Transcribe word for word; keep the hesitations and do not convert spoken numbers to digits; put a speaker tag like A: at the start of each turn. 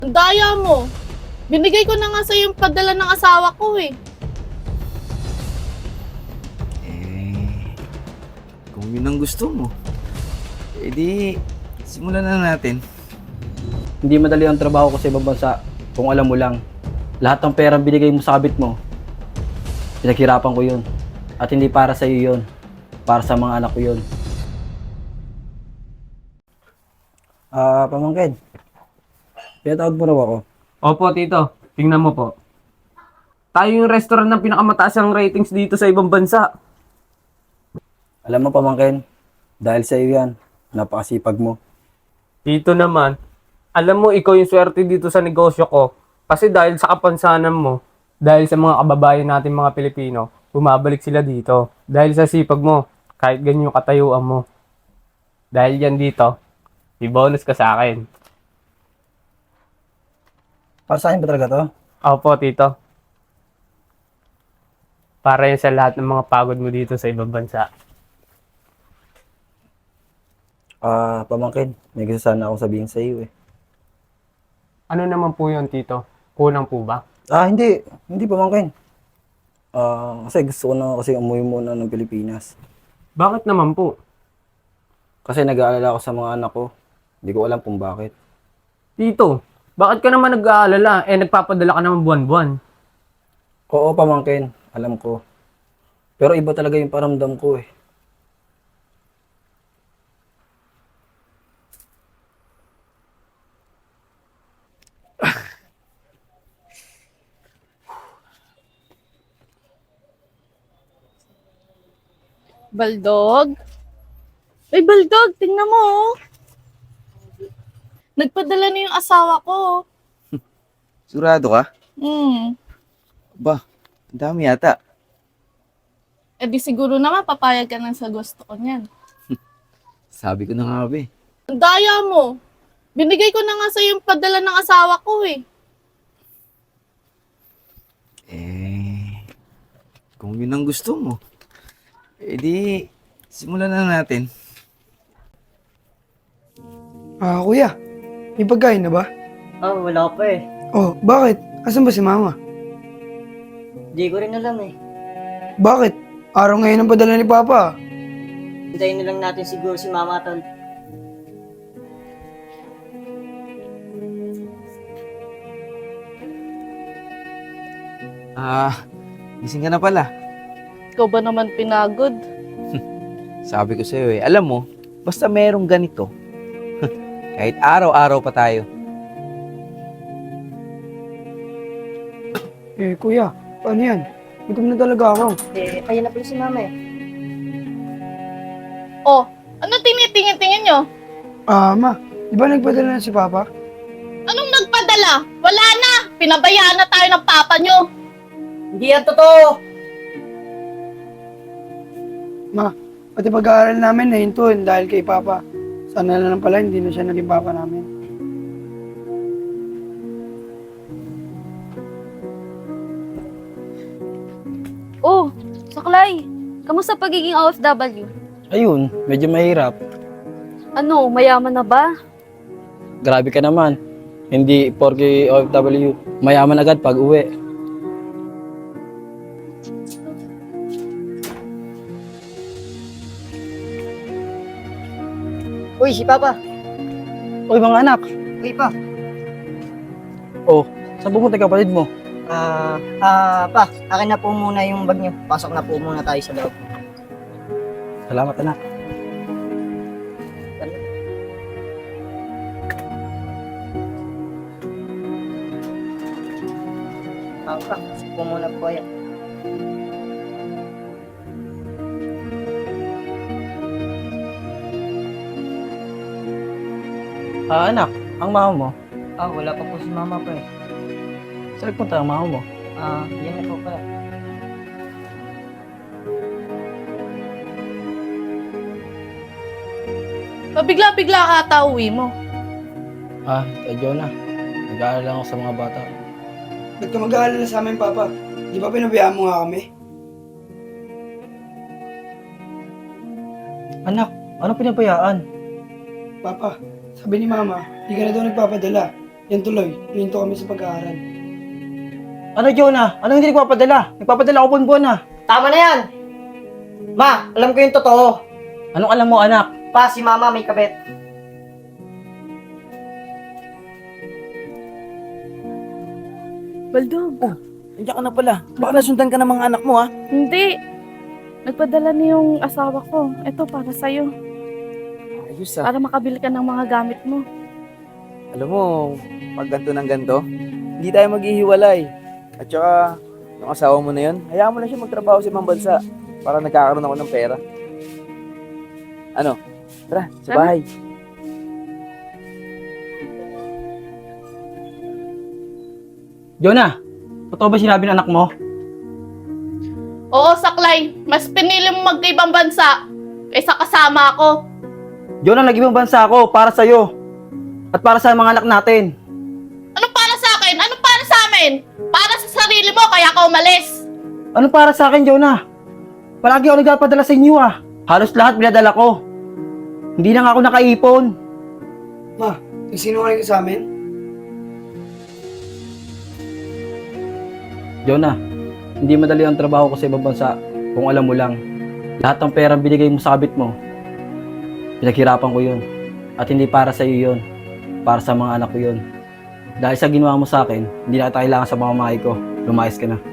A: Ang daya mo. Binigay ko na nga sa yung padala ng asawa ko eh.
B: Eh, kung yun ang gusto mo, edi simulan na natin.
C: Hindi madali ang trabaho ko sa ibang bansa kung alam mo lang. Lahat ng perang binigay mo sa kabit mo, pinaghirapan ko yun. At hindi para sa iyo yun. Para sa mga anak ko yun. Ah, pamangkin. Pinatawag mo raw ako.
D: Opo, tito. Tingnan mo po. Tayo yung restaurant ng pinakamataas ang ratings dito sa ibang bansa.
C: Alam mo pamangkin, dahil sa iyo yan, napakasipag mo.
D: Tito naman, alam mo ikaw yung swerte dito sa negosyo ko. Kasi dahil sa kapansanan mo, dahil sa mga kababayan natin mga Pilipino, bumabalik sila dito. Dahil sa sipag mo, kahit ganyan yung katayuan mo. Dahil yan dito, may bonus ka sa akin.
C: Para sa akin ba talaga to?
D: Opo, tito. Para yan sa lahat ng mga pagod mo dito sa ibang bansa.
C: Ah, pamangkin, may gusto sana akong sabihin sa iyo eh.
D: Ano naman po yun, tito? Kulang po ba?
C: Ah, hindi. Hindi pamangkin. Ah, kasi gusto ko na kasi umuwi muna ng Pilipinas.
D: Bakit naman po?
C: Kasi nag-aalala ako sa mga anak ko. Hindi ko alam kung bakit.
D: Tito, bakit ka naman nag-aalala? Eh, nagpapadala ka naman buwan-buwan.
C: Oo, pamangkin. Alam ko. Pero iba talaga yung paramdam ko eh.
A: Baldog? Ay, Baldog, tingnan mo oh. Nagpadala na yung asawa ko.
B: Sigurado ka?
A: Hmm.
B: Ba, ang dami yata.
A: Eh di siguro naman papayag ka na sa gusto ko niyan.
B: Sabi ko na nga ba eh.
A: Ang daya mo. Binigay ko na nga sa yung padala ng asawa ko eh.
B: Eh, kung yun ang gusto mo, edi simulan na natin.
E: Ah, kuya, may pagkain na ba?
F: Ah, wala pa eh.
E: Oh, bakit? Asan ba si mama?
F: Di ko rin alam eh.
E: Bakit? Araw ngayon ang padala ni Papa.
F: Hintayin na lang natin siguro si Mama Tol.
B: Ah, gising ka na pala.
A: Ikaw ba naman pinagod?
B: Sabi ko sa'yo eh, alam mo, basta merong ganito, kahit araw-araw pa tayo.
E: Eh, kuya, paano yan? Gutom na talaga ako.
F: Eh, ayun na pala si Mama eh.
A: Oh, ano tinitingin-tingin nyo?
E: Ah, ma, di ba nagpadala na si Papa?
A: Anong nagpadala? Wala na! Pinabayaan na tayo ng papa nyo.
F: Hindi yan totoo!
E: Ma, pati pag-aaral namin na hintuin dahil kay Papa. Sana na lang pala hindi na siya naging Papa namin.
G: Oh, Saklay, kamusta pagiging O F W?
C: Ayun, medyo mahirap.
G: Ano, mayaman na ba?
C: Grabe ka naman. Hindi porke O F W, mayaman agad pag uwi.
F: Uy, si Papa!
C: Oy mga anak,
F: Uy pa!
C: oh, saan pumunta yung kapatid mo?
F: Ah, ah, pa, akin na po muna yung bag niyo. Pasok na po muna tayo sa loob.
C: Salamat anak.
F: Ah, pa, pasok po muna po yan.
C: Ah anak, ang mama mo.
F: Ah, wala pa po si Mama pa eh.
C: Saan nagpunta ang mama mo?
F: Ah, yan na po pala.
A: Pabigla-bigla ka ata uwi mo.
C: Ah, kay Jonah. Nag-aalala lang ako sa mga bata.
E: Ba't ka mag-aalala sa amin, Papa? Di ba pinabayaan mo nga kami?
C: Anak, ano pinabayaan?
E: Papa, sabi ni Mama, di ka na daw nagpapadala. Yan tuloy, hinto kami sa pag-aaral.
C: Ano, Jonah? Ano hindi nagpapadala? Nagpapadala ako buwan-buwan na.
F: Tama na yan! Ma, alam ko yung totoo.
C: Anong alam mo, anak?
F: Pa, si mama may kabet.
G: Baldog.
B: Nandiyan ka na pala. Baka nasundan ka ng mga anak mo, ha?
G: Hindi. Nagpadala na yung asawa ko. Ito para sa'yo.
B: Ayos, ah.
G: Para makabili ka ng mga gamit mo.
B: Alam mo, pag ganito ng ganito, hindi tayo maghihiwalay. At saka, yung asawa mo na yun, hayaan mo na siya magtrabaho sa ibang bansa para nagkakaroon ako ng pera. Ano? Tara, sa
G: Tara.
B: bahay.
C: Jonah, totoo ba sinabi ng anak mo?
A: Oo, Saklay. Mas pinili mo magkaibang bansa kaysa kasama ako.
C: Jonah, nag-ibang bansa ako para sa'yo. At para sa mga anak natin.
A: Anong para sa akin? Anong para sa amin? Para sa sarili mo, kaya ka umalis.
C: Ano para sa akin, Jonah? Palagi ako nagpapadala sa inyo ah. Halos lahat binadala ko. Hindi na nga ako nakaipon.
E: Ma, nagsinungaling ka sa amin?
C: Jonah, hindi madali ang trabaho ko sa ibang bansa kung alam mo lang. Lahat ng perang binigay mo sa kabit mo, pinaghirapan ko yun. At hindi para sa iyo yun. Para sa mga anak ko yun. Dahil sa ginawa mo sa akin, hindi na kita kailangan sa mga mamahay ko. Lumayas ka na.